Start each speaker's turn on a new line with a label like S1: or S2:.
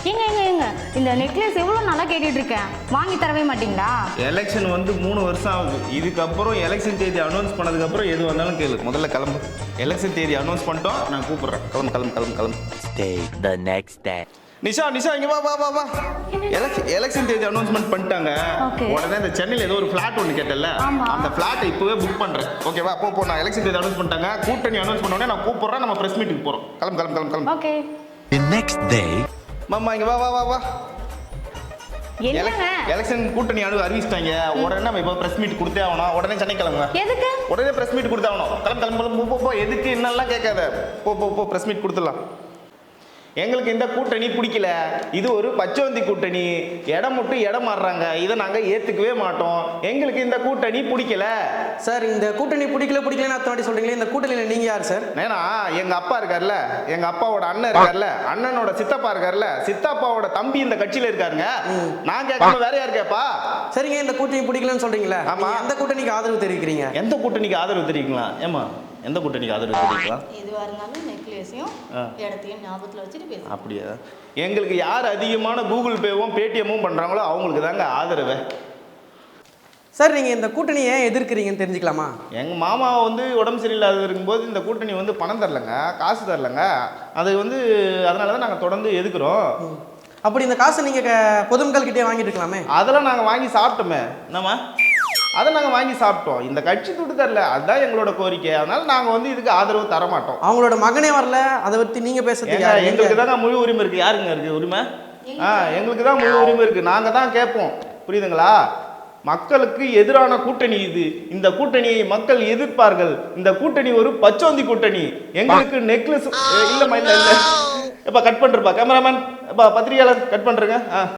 S1: ஏங்க ஏங்க ஏங்க இந்த நெக்லஸ் எவ்வளோ நல்லா கேட்டுட்டு இருக்கேன், வாங்கி தரவே மாட்டீங்களா?
S2: எலெக்ஷன் வந்து 3 வருஷம் ஆகுது. இதுக்கப்புறம் எலெக்ஷன் தேதி அனௌன்ஸ் பண்ணதுக்கப்புறம் எது வந்தாலும் கேளு. முதல்ல கிளம்பு. எலெக்ஷன் தேதி அனௌன்ஸ் பண்ணிட்டோம், நான் கூப்பிட்றேன். கிளம்பு கிளம்பு கிளம்பு கிளம்பு.
S3: Stay the next day.
S2: Nisha Nisha இங்க வா வா வா வா. எலெக்ஷன் தேதி அனௌன்ஸ்மெண்ட் பண்ணிட்டாங்க. உடனே இந்த சென்னையில் ஏதோ ஒரு ஃபிளாட் ஒன்று கேட்டல, அந்த ஃபிளாட்டை இப்போவே புக் பண்ணுறேன். ஓகேவா? போ நான் எலெக்ஷன் தேதி அனௌன்ஸ் பண்ணிட்டாங்க. கூட்டணி அனௌன்ஸ் பண்ண உடனே நான் கூப்பிட்றேன். நம்ம பிரஸ் மீட்டுக்கு போகிறோம். கிளம்பு கிளம்பு கிளம்பு கிளம்பு.
S1: ஓகே.
S3: The next day.
S2: மாமா இங்க வா வா வா வா.
S1: என்னங்க?
S2: எலெக்ஷன் கூட்டணி அறிவிச்சிட்டாங்க. உடனே நம்ம இப்போ பிரஸ் மீட் கொடுத்தே ஆகணும். உடனே சென்னை கிளம்புங்க.
S1: எதுக்கு?
S2: உடனே பிரஸ் மீட் கொடுத்தே ஆகணும். கிளம்பு கிளம்பு கிளம்பு. போ எதுக்கு என்னெல்லாம் கேட்காத. போ பிரஸ் மீட் கொடுத்துடலாம். எங்களுக்கு இந்த கூட்டணி பிடிக்கல. இது ஒரு பச்சோந்தி கூட்டணி. இடம் மட்டும் இடம் மாறுறாங்க. இதை நாங்கள் ஏற்றுக்கவே மாட்டோம். எங்களுக்கு இந்த கூட்டணி பிடிக்கல.
S4: சார் இந்த கூட்டணி பிடிக்கலன்னு அத்தனை சொல்றீங்களே, இந்த கூட்டணியில் நீங்க யார் சார்?
S2: ஏன்னா எங்க அப்பா இருக்கார்ல, எங்க அப்பாவோட அண்ணன் இருக்கார்ல, அண்ணனோட சித்தப்பா இருக்கார்ல, சித்தப்பாவோட தம்பி இந்த கட்சியில இருக்காருங்க. நான் கேட்கணும், வேற யார் கேப்பா?
S4: சரிங்க, இந்த கூட்டணி பிடிக்கலன்னு சொல்றீங்களா? ஆமா. எந்த கூட்டணிக்கு ஆதரவு தெரிவிக்கிறீங்க?
S2: எந்த கூட்டணிக்கு ஆதரவு தெரிவிக்கலாம்? ஏமா எந்த கூட்டணிக்கு ஆதரவு தெரிவிக்கலாம்?
S5: எதுவாக இருந்தாலும் நெக்லஸையும் இடத்தையும் ஞாபகத்தில் வச்சுட்டு பேசுகிறேன்.
S2: அப்படியா? எங்களுக்கு யார் அதிகமான கூகுள் பேவும் பேடிஎம்மும் பண்ணுறாங்களோ அவங்களுக்கு தாங்க ஆதரவு.
S4: சார் நீங்கள் இந்த கூட்டணியை எதிர்க்கிறீங்கன்னு தெரிஞ்சுக்கலாமா?
S2: எங்கள் மாமா வந்து உடம்பு சரியில்லாத இருக்கும்போது இந்த கூட்டணி வந்து பணம் தரலங்க, காசு தரலங்க. அது வந்து அதனால தான் நாங்கள் தொடர்ந்து எதுக்குறோம்.
S4: அப்படி இந்த காசை நீங்கள் பொதுமக்கள்கிட்டே வாங்கிட்டு இருக்கலாமே.
S2: அதெல்லாம் நாங்கள் வாங்கி சாப்பிட்டோமே. என்னம்மா? அதை நாங்கள் வாங்கி சாப்பிட்டோம். இந்த கட்சி துட்டு தரல, அதுதான் எங்களோட கோரிக்கை. அதனால நாங்கள் வந்து இதுக்கு ஆதரவு தர மாட்டோம்.
S4: அவங்களோட மகனே வரல, அதை பற்றி நீங்கள் பேசுறதுக்கு
S2: எங்களுக்கு தாங்க முழு உரிமை இருக்குது. யாருங்க இருக்குது உரிமை? எங்களுக்கு தான் முழு உரிமை இருக்குது. நாங்கள் தான் கேட்போம். புரியுதுங்களா? மக்களுக்கு எதிரான கூட்டணி இது. இந்த கூட்டணியை மக்கள் எதிர்ப்பார்கள். இந்த கூட்டணி ஒரு பச்சோந்தி கூட்டணி. எங்களுக்கு நெக்லஸ் இல்லைம்மா, இல்லை இல்லை. எப்பா கட் பண்ணுறப்பா கேமராமேன், எப்பா பத்திரிகையாளர் கட் பண்ணுறேங்க.